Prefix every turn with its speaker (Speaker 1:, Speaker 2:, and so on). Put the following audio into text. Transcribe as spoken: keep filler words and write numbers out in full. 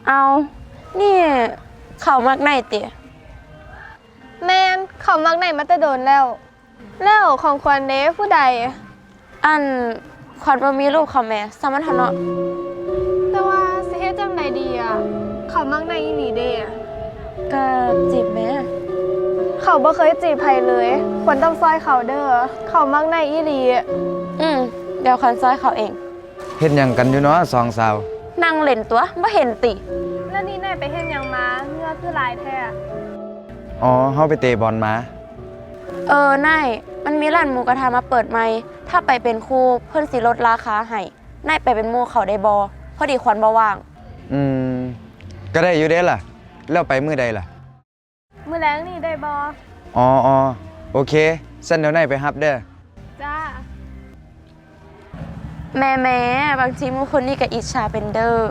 Speaker 1: เอานี่เขามักในเตี๋ย
Speaker 2: แมนเขามักไหนมาแต่โดนแล้ว แล้วของควรเด้ผู้ใด
Speaker 1: อันขวัญบ่มีลูกเขาแม่สามันทะเนาะ
Speaker 2: แต่ว่าสิเฮ็ดจังใดดีอ่ะ เขามักไหนอีหลีเด้อะ
Speaker 1: ก็จีบแม่
Speaker 2: เขาบ่เคยจีบใครเลย ควรต้องซอยเขาเด้อเขามักไหนอีหลี
Speaker 1: อืมเดี๋ยวขวัญซอยเขาเอง
Speaker 3: เฮ็ดหยังกันอยู่เนาะสองสาว
Speaker 1: นั่งเล่นตัวบ่เห็นติ
Speaker 2: แล้วนี่นายไปเฮ็ดหยังมาเหงื่อคือหลายแท้
Speaker 3: อ๋อเฮาไปเตะบอลมา
Speaker 1: เออนายมันมีร้านหมูกระทะมาเปิดใหม่ถ้าไปเป็นครูเพิ่นสิลดราคาให้นายไปเป็นหมู่เขาได้บ่พอดีขวัญบ่ว่าง
Speaker 3: อืมก็ได้อยู่เด้ล่ะ แล้วไปมื้อใดล่ะ
Speaker 2: มื้อแล้งนี่ได้บ่
Speaker 3: อ๋ออ๋อโอเคสั่นเดี๋ยวนายไปรับเด้อ
Speaker 2: จ้า
Speaker 1: แม่แม่บางทีหมู่คนนี้ก็อิจฉาเป็นเด้อ